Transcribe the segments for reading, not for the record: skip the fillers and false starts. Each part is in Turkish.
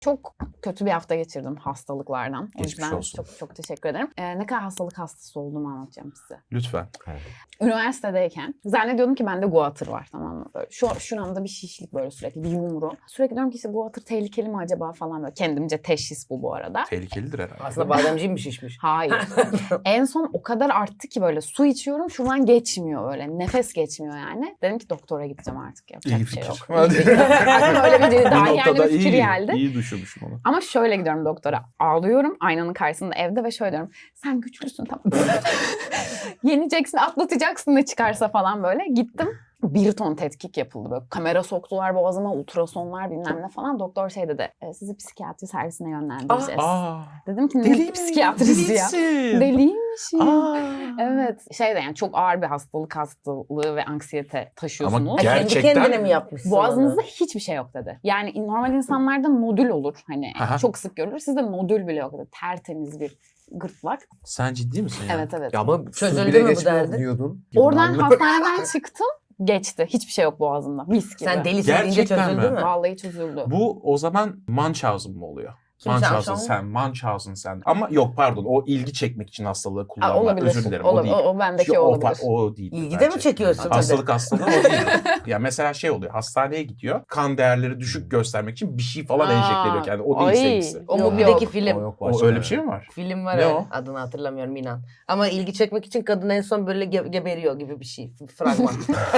Çok kötü bir hafta geçirdim hastalıklardan. O Geçmiş yüzden olsun. çok teşekkür ederim. Ne kadar hastalık hastası olduğumu anlatacağım size. Lütfen. Üniversitedeyken zannediyordum ki bende guatr var, tamam mı? Böyle şuramda bir şişlik, böyle sürekli bir yumru. Sürekli diyorum ki işte guatr tehlikeli mi acaba falan böyle. Kendimce teşhis bu arada. Tehlikelidir herhalde. Aslında bademciğim mi şişmiş? Hayır. En son o kadar arttı ki böyle su içiyorum, şuradan geçmiyor öyle. Nefes geçmiyor yani. Dedim ki doktora gideceğim artık. Yapacak İyi bir şey fikir. yok. İyi fikir. Aklıma öyle bir daha yani bir fikir geldi. iyi düşünmüşüm onu. Ama şöyle gidiyorum doktora. Ağlıyorum aynanın karşısında evde ve şöyle diyorum. Sen güçlüsün, tamam. Yeneceksin, atlatacaksın ne çıkarsa falan böyle. Gittim. 1 ton tetkik yapıldı böyle. Kamera soktular boğazıma, ultrasonlar bilmem ne falan. Doktor şey dedi. Sizi psikiyatri servisine yönlendireceğiz. Dedim ki ne psikiyatrisi ya? Deliymişim. Evet. Şey de yani çok ağır bir hastalığı ve anksiyete taşıyorsunuz. Ama Kendi gerçekten kendine mi yapmışsın Boğazınızda onu? hiçbir şey yok dedi. Yani normal insanlarda nodül olur. Hani Aha. çok sık görülür. Sizde nodül bile yok dedi. Tertemiz bir gırtlak. Sen ciddi misin ya? Evet. Ya ama Çözüldü bile mü bu geçmiyor derdin? diyordun. Oradan hastaneden çıktım. Geçti. Hiçbir şey yok boğazımda. Mis gibi. Sen delisin deyince Gerçekten çözüldü mi? mü? Vallahi çözüldü. Bu o zaman Munchausen mı oluyor? Kim Munchausen sen. Ama yok pardon, o ilgi çekmek için hastalığı kullanma. Olabilir. Özür dilerim, o değil. O bendeki olabilir. O değil. İlgi de mi çekiyorsun? Hastalığı o değil. Ya mesela şey oluyor, hastaneye gidiyor, kan değerleri düşük göstermek için bir şey falan enjekte ediyor kendine. O değil seninkisi. O Yok, Mubi'deki yok. film. O yok O başka. öyle bir şey mi var? Film var Ne öyle. o? Adını hatırlamıyorum inan. Ama ilgi çekmek için kadın en son böyle geberiyor gibi bir şey. Fragman.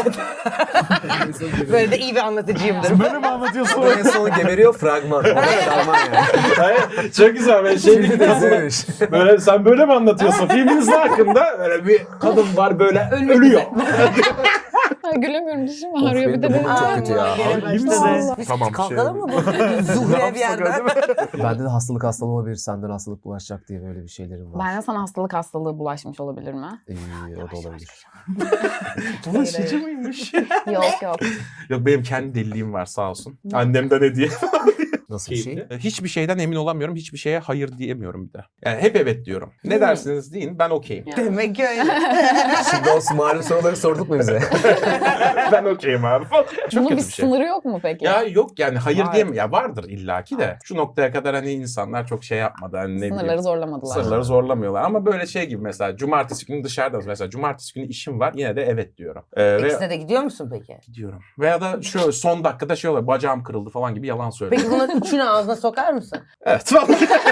Böyle de iyi bir anlatıcıyımdır. Böyle mi anlatıyorsun? Sonra en sonu geberiyor fragman. O da Alman yani. Hayır, çok güzel. Ben şey Şimdi izlemiş. böyle sen böyle mi anlatıyorsun? Filminizin hakkında böyle bir kadın var böyle ölüyor. Ay, gülemiyorum, dişim Of, ağrıyor. Bir benim de de benim burnum çok kötü ya. Gene İyi başladı. misin? Biz Tamam, kalkalım şey- mı bu? Zuhre bir yerden. Bende de hastalığı olabilir. Senden hastalık bulaşacak diye böyle bir şeylerim var. Bende sana hastalık hastalığı bulaşmış olabilir mi? O da olabilir. Bulaşıcı mıymış? Yok. Yok, benim kendi deliliğim var sağ olsun. Annemden hediye. Nasıl bir şey? Hiçbir şeyden emin olamıyorum. Hiçbir şeye hayır diyemiyorum bir de. Yani hep evet diyorum. Ne dersiniz deyin, ben okeyim. Ya. Demek ki öyle. Şimdi o malum soruları sorduk mu bize? Ben okeyim abi falan. Çok Bunun bir kötü bir şey. sınırı yok mu peki? Ya yok yani hayır Var. diyemem. Ya vardır illaki de. Şu noktaya kadar hani insanlar çok şey yapmadı. Hani ne bileyim. Sınırları zorlamadılar. Sınırları zorlamıyorlar. Ama böyle şey gibi mesela cumartesi günü dışarıdayız. Mesela cumartesi günü işim var. Yine de evet diyorum. İkisine de gidiyor musun peki? Gidiyorum. Veya da şöyle son dakikada şey oluyor. Bacağım kırıldı falan gibi yalan söylüyorum. Peki bunun üçünü ağzına sokar mısın? Evet falan.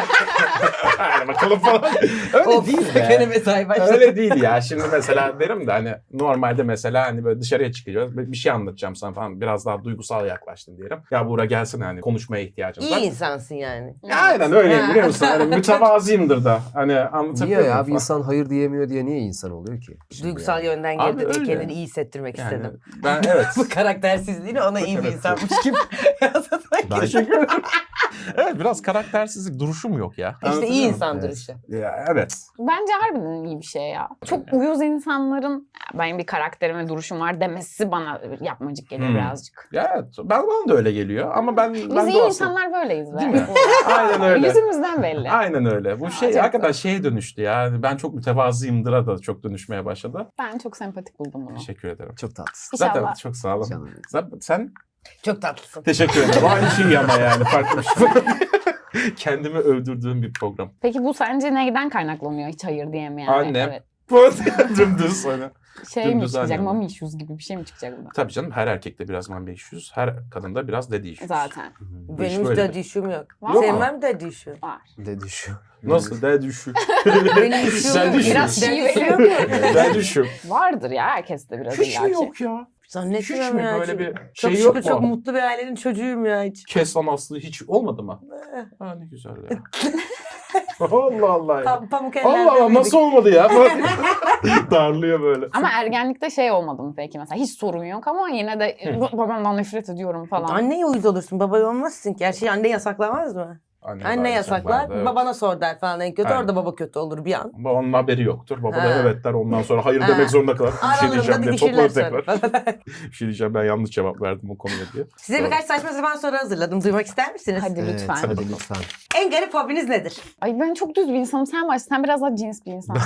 Hadi bakalım falan. Öyle Of, değil be. gene mesai başladı. Öyle değil ya. Şimdi mesela derim de hani normalde mesela hani böyle dışarıya çıkacağız. Bir şey anlatacağım sana falan. Biraz daha duygusal yaklaştın diyelim. Ya Buğra gelsin hani konuşmaya ihtiyacım var. İyi insansın yani. Ya aynen öyleyim biliyor musun? Hani mütevazıyımdır da. Hani anlatabiliyor Niye muyum ya? Bir falan? insan hayır diyemiyor diye niye insan oluyor ki? Duygusal yönden Abi geldi diye öyle. kendini iyi hissettirmek Yani istedim. ben evet. Bu karaktersizliğini ona iyi bir Evet. insanmış gibi yansıtmak Teşekkür ederim. Evet, biraz karaktersizlik duruşum yok ya. İşte iyi Anlatabiliyor muyum? insan Evet. duruşu. Ya evet. Bence harbiden iyi bir şey ya. Çok uyuz insanların benim bir karakterim ve duruşum var demesi bana yapmacık geliyor birazcık. Ya evet. Bana da öyle geliyor ama ben Biz iyi doğasın. insanlar böyleyiz be. Değil mi? Aynen öyle. Yüzümüzden belli. Aynen öyle. Bu şey Çok hakikaten güzel. şeye dönüştü ya. Ben çok mütevazıyımdır'a da çok dönüşmeye başladı. Ben çok sempatik buldum bunu. Teşekkür ederim. Çok tatlısın. İnşallah. Zaten çok sağ olun. Canım. Sen Çok tatlısın. teşekkür ederim. Aynı şey ama yani farklı bir şey. Kendimi övdürdüğüm bir program. Peki bu sence neyden kaynaklanıyor hiç hayır diyemeyen? Annem. Evet. Dümdüz hani. Şey mi Dümdüz çıkacak? annem. Mommy issues gibi bir şey mi çıkacak bundan? Tabii canım, her erkekte biraz man 500, her kadında biraz daddy issues. Zaten. Bu iş Benim hiç böyle. daddy issue'm yok. Var mı? Senin var mı daddy issue? Var. Dedi şu. Nasıl daddy issue? Benim issue'm Sen yok. düşün. Biraz Daddy şive. issue'm yok. Daddy issue. Vardır ya herkeste biraz Hiç mi illaki. yok ya? Hiç Zannetmiyorum mi ya. böyle bir Çok şey yok şükür çok mu? mutlu bir ailenin çocuğuyum ya hiç. Keslan aslı hiç olmadı mı? Ha ne güzel ya. Allah Allah ya. Pamuk ellerde Allah Allah, büyüdük. nasıl olmadı ya? Darlıyor böyle. Ama ergenlikte şey olmadı mı peki mesela? Hiç sorun yok ama yine de babamdan nefret ediyorum falan. Anneye uyuz olursun, babaya olmazsın ki. Her şeyi anne yasaklamaz mı? Anne yasaklar, evet. babana sor der falan en kötü. Aynen. Orada baba kötü olur bir an. Babanın haberi yoktur. Baba Ha. da evet der. Ondan sonra hayır Ha. demek zorunda kalır. Bir şey diyeceğim diye didişirler toplar tekrar. sonra. Bir şey diyeceğim, ben yanlış cevap verdim o konuya diye. Size Doğru. birkaç saçma sapan soru hazırladım. Duymak ister misiniz? Hadi Evet, lütfen. hadi lütfen. En garip hobiniz nedir? Ay ben çok düz bir insanım. Sen başla. Sen biraz daha cins bir insansın.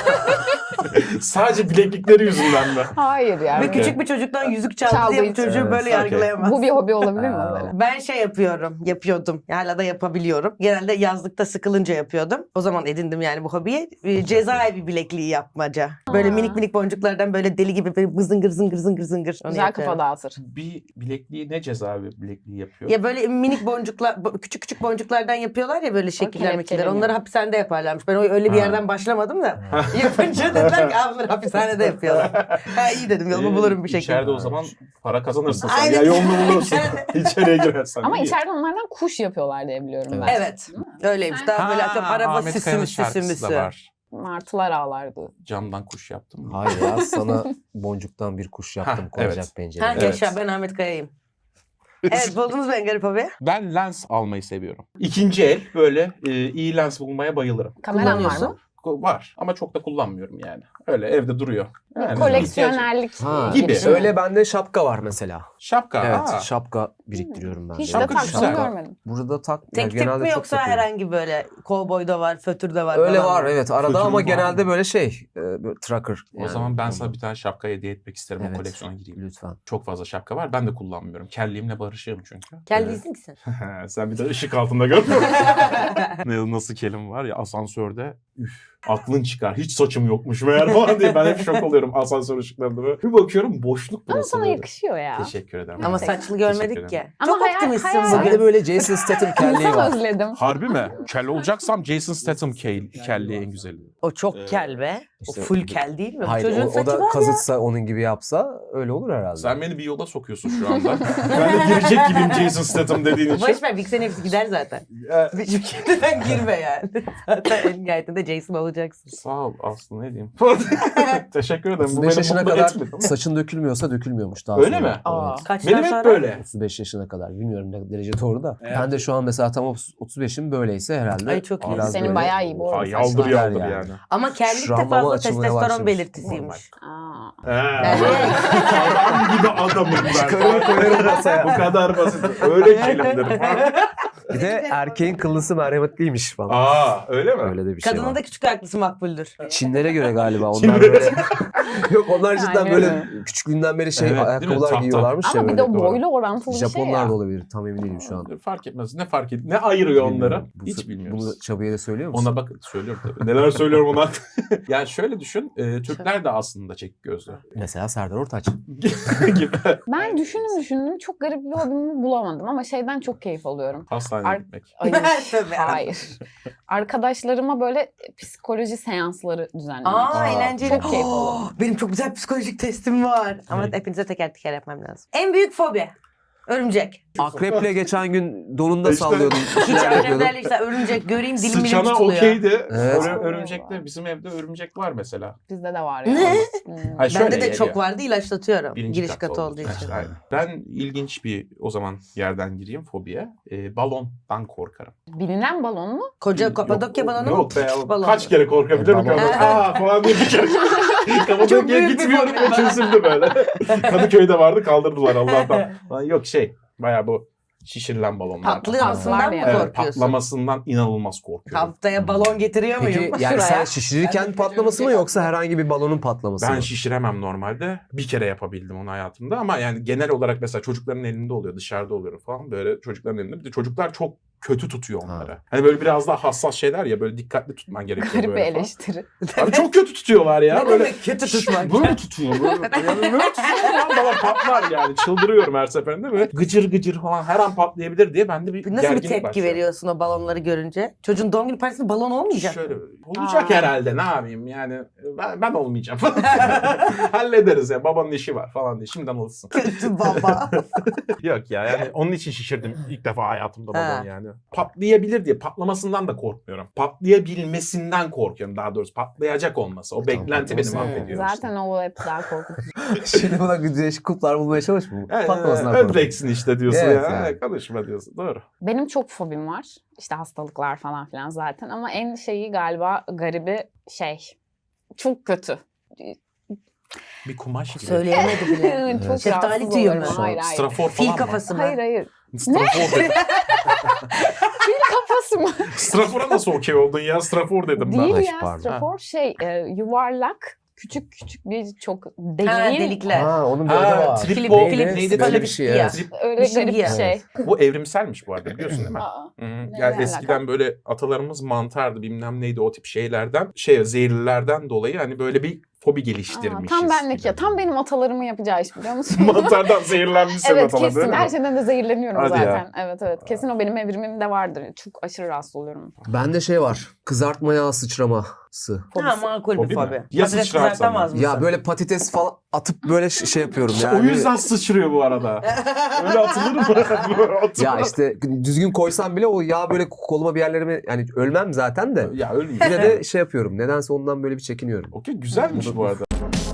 Sadece bileklikleri yüzünden mi? Hayır yani. Ve küçük bir çocuktan yüzük çaldı Çaldığı diye bu için. çocuğu Evet. böyle Okey. yargılayamaz. Bu bir hobi olabilir mi? Aa. Böyle? Ben şey yapıyordum. Hala da yapabiliyorum. Genelde yazlıkta sıkılınca yapıyordum. O zaman edindim yani bu hobiyi. Cezaevi bilekliği yapmaca. Böyle Aa. minik minik boncuklardan böyle deli gibi böyle zıngır zıngır zıngır zıngır. Onu Güzel yapıyorum. kafa dağıtır. Bir bilekliği ne cezaevi bilekliği yapıyor? Ya böyle minik boncuklar, küçük küçük boncuklardan yapıyorlar ya böyle şekiller mekiller. kelepçeleniyor. Onları hapishanede yaparlarmış. Ben öyle bir Ha. yerden başlamadım da. Yapınca dediler ki bunları hapishanede yapıyorlar. Ha iyi dedim yolumu bulurum bir şekilde. İçeride o zaman para kazanırsın sen. Aynen. Ya yolunu bulursun. İçeride. İçeriye girersen. Ama iyi. içeride onlardan kuş yapıyorlar diye biliyorum ben. Evet. Öyleymiş. Daha böyle atıyorum araba Ahmet Kaya'nın süsü şarkısı müsü. da var. Martılar ağlardı. Camdan kuş yaptım mı? Hayır ya, sana boncuktan bir kuş yaptım Ha, koyacak evet. pencereye. Ha Evet. yaşa ben Ahmet Kaya'yım. Evet buldunuz mu en garip hobi? Ben lens almayı seviyorum. İkinci el böyle iyi lens bulmaya bayılırım. Kameran var Kullanıyorsun. mı? Var ama çok da kullanmıyorum yani. Öyle evde duruyor. Yani Koleksiyonerlik Ha, gibi. girişimi. Öyle bende şapka var mesela. Şapka. Evet, aa. şapka biriktiriyorum ben. Hiç de Şapka taktığını güzel. görmedim. Burada tak. Tek yani tip genelde mi çok yoksa takıyorum. herhangi böyle kovboy da var, fötür de var Öyle falan var mı? evet arada Fötürü ama var genelde mı? böyle böyle tracker. O yani zaman ben ondan. sana bir tane şapka hediye etmek isterim. Evet. O koleksiyona gireyim. Lütfen. Çok fazla şapka var. Ben de kullanmıyorum. Kelliğimle barışığım çünkü. Kellisin ki sen. Sen bir de ışık altında görmüyor musun? Nasıl kelim var ya asansörde. Üf, aklın çıkar. Hiç saçım yokmuş meğer falan diye. Ben hep şok oluyorum asansör ışıklarında böyle. Bir bakıyorum boşluk Ama burası sana böyle. yakışıyor ya. Teşekkür ederim. Ama Teşekkür saçlı görmedik ederim. ki. Ama Çok hayal- optimistsin hayal- bugün. Bir de böyle Jason Statham kelliği İnsan var. özledim. Harbi mi? Kel olacaksam Jason Statham kelliği en güzeli. O çok kel be. İşte- o full kel değil mi? Bu Hayır çocuğun o saçı da var ya. kazıtsa onun gibi yapsa öyle olur herhalde. Sen beni bir yola sokuyorsun şu anda. Ben de girecek gibiyim Jason Statham dediğin için. Boş ver Vixen hepsi gider zaten. Hiçbir şimdiden girme yani. Zaten en nihayetinde Jason olacaksın. Sağ ol Aslı, ne diyeyim. Teşekkür ederim. Bu 35 beni yaşına mutlu kadar etmedi. saçın dökülmüyorsa dökülmüyormuş daha Öyle sonra. mi? Aa. Evet. Kaçtan Benim hep sonra? böyle. 35 yaşına kadar. Bilmiyorum ne derece doğru da. Evet. Ben de şu an mesela tam 35'im böyleyse herhalde. Ay, çok iyi. biraz Senin böyle- bayağı iyi bu arada. Ay, yaldır saçlar. yaldır Yani. yani. Ama kellik de Şuramlama fazla açılmaya testosteron başlamış. belirtisiymiş. Aa. Adam gibi adamım ben. Çıkarır koyarım masaya. Bu kadar basit. Öyle kelimdir falan. Bir de erkeğin kıllısı merhametliymiş falan. Aa, öyle mi? Öyle de bir şey Kadının var. da küçük aklısı makbuldür. Çinlere göre galiba onlar Çinlere- böyle. Yok onlar cidden Aynen böyle öyle. küçüklüğünden beri Evet, değil mi? ayakkabılar Tahta. giyiyorlarmış ya Ama bir böyle. de o doğru. boyla orantılı bir şey Japonlar ya. da olabilir tam emin değilim şu an. Fark etmez. Ne fark ediyor? Ne ayırıyor onları? Bilmiyorum. Hiç bilmiyoruz. Bunu Çabu'ya da söylüyor musun? Ona bak, söylüyorum tabii. Neler söylüyorum ona. Yani şöyle düşün. Türkler de aslında çekik gözlü. Mesela Serdar Ortaç. gibi. Ben düşündüm. Çok garip bir hobimi bulamadım ama şeyden çok keyif alıyorum. Hastaneye gitmek. Ay, Tabii. hayır. Arkadaşlarıma böyle psikoloji seansları düzenlemek. Aa, eğlenceli. Çok keyif alıyorum. Benim çok güzel psikolojik testim var. Ama Ne? hepinize teker teker yapmam lazım. En büyük fobi. Örümcek. Akreple geçen gün donunda İşte- sallıyordum. Bir Hiç şeyler yapıyordum. akreplerle işte örümcek göreyim dilim dilim Sıçana tutuluyor. okeydi. Evet. Örümcekte bizim evde örümcek var mesela. Bizde de var ya. Ne? Hayır, şöyle Bende de geliyor. çok vardı ilaçlatıyorum. Birinci Giriş katta katı olduğu Ha, için. işte, aynen. Ben ilginç bir o zaman yerden gireyim fobiye. Balondan korkarım. Bilinen balon mu? Koca Kapadokya balonu mu? Yok be. Balon. Kaç kere korkabilirim ki? Balon. Aa falan diye bir kere. Çok Kapadokya'ya büyük bir gitmiyorum fobi. ve çözüldü böyle. Kadıköy'de vardı, kaldırdılar Allah'tan. Lan yok bayağı bu şişirilen balonlar. Patlamasından mı Evet, Evet, korkuyorsun? patlamasından inanılmaz korkuyorum. Haftaya balon getiriyor muyum? Peki yani Şuraya. sen şişirirken patlaması mı yoksa herhangi bir balonun patlaması Ben mı? şişiremem normalde. Bir kere yapabildim onu hayatımda ama yani genel olarak mesela çocukların elinde oluyor, dışarıda oluyor falan böyle çocukların elinde. Bir de çocuklar çok kötü tutuyor onları. Hani böyle biraz daha hassas şeyler ya, böyle dikkatli tutman gerekiyor Garip bir böyle falan. eleştiri. Abi çok kötü tutuyorlar ya. Ne böyle demek kötü tutmak? Böyle tutuyor. Böyle tutuyor lan, bana patlar yani. Çıldırıyorum her seferinde. Böyle gıcır gıcır falan her an patlayabilir diye bende bir Nasıl bir gerginlik tepki başlıyor. veriyorsun o balonları görünce? Çocuğun doğum günü partisinde balon olmayacak mı? Şöyle olacak Aa. herhalde, ne yapayım yani ben olmayacağım falan. Hallederiz ya, babanın işi var falan diye şimdiden alışsın. Kötü baba. Yok ya, yani onun için şişirdim ilk defa hayatımda Ha. babam yani. ya. Patlayabilir diye patlamasından da korkmuyorum. Patlayabilmesinden korkuyorum daha doğrusu. Patlayacak olması. O Tamam, beklenti beni patlaması. mahvediyor. Zaten o hep daha korkutucu. Şimdi buna değişik kulplar bulmaya çalışma. Yani, Patlamasından korkuyorum. öleceksin işte diyorsun Evet, ya. yani. Konuşma diyorsun. Doğru. Benim çok fobim var. İşte hastalıklar falan filan zaten. Ama en şeyi galiba garibi çok kötü. Bir kumaş gibi. Söyleyemedi bile. Çok Şeftali rahatsız tüyü oluyorum. mü? Hayır hayır. Strafor Fil falan mı? kafası mı? Hayır hayır. Strafor dedim. Fil kafası mı? Strafor'a nasıl okey oldun ya? Strafor dedim ben. Değil Ay, ya. pardon. Strafor yuvarlak. Küçük bir çok Ha, deliğin. delikler. Ha onun bir adı Ha, var. trip Filip- neydi? Filip- Böyle bir şey, evet. Trip. Öyle Bir şey garip bir ya. şey. Bu evrimselmiş bu arada biliyorsun değil mi? Aa, Hı. ne Yani alaka? eskiden böyle atalarımız mantardı bilmem neydi o tip şeylerden zehirlilerden dolayı hani böyle bir fobi geliştirmişiz. tam benlik gibi. ya. Tam benim atalarımın yapacağı iş biliyor musun? Mantardan zehirlenmişsin Evet atalar değil kesin. mi? Her şeyden de zehirleniyorum Hadi ya. zaten. Evet. Kesin o benim evrimimde vardır. Çok aşırı rahatsız oluyorum. Bende şey var. Kızartma yağı sıçraması. Ha, makul Fobi bir mi? fobi. Ya Patates sıçrarsan kızartamaz mı? mısın? Ya böyle patates falan atıp böyle şey yapıyorum İşte yani. o yüzden sıçrıyor bu arada. Öyle atılır mı? Atılır. Ya işte düzgün koysam bile o yağ böyle koluma bir yerlerime yani ölmem zaten de. Ya ölmüyor. Yine de şey yapıyorum. Nedense ondan böyle bir çekiniyorum. Okey güzelmiş bu arada.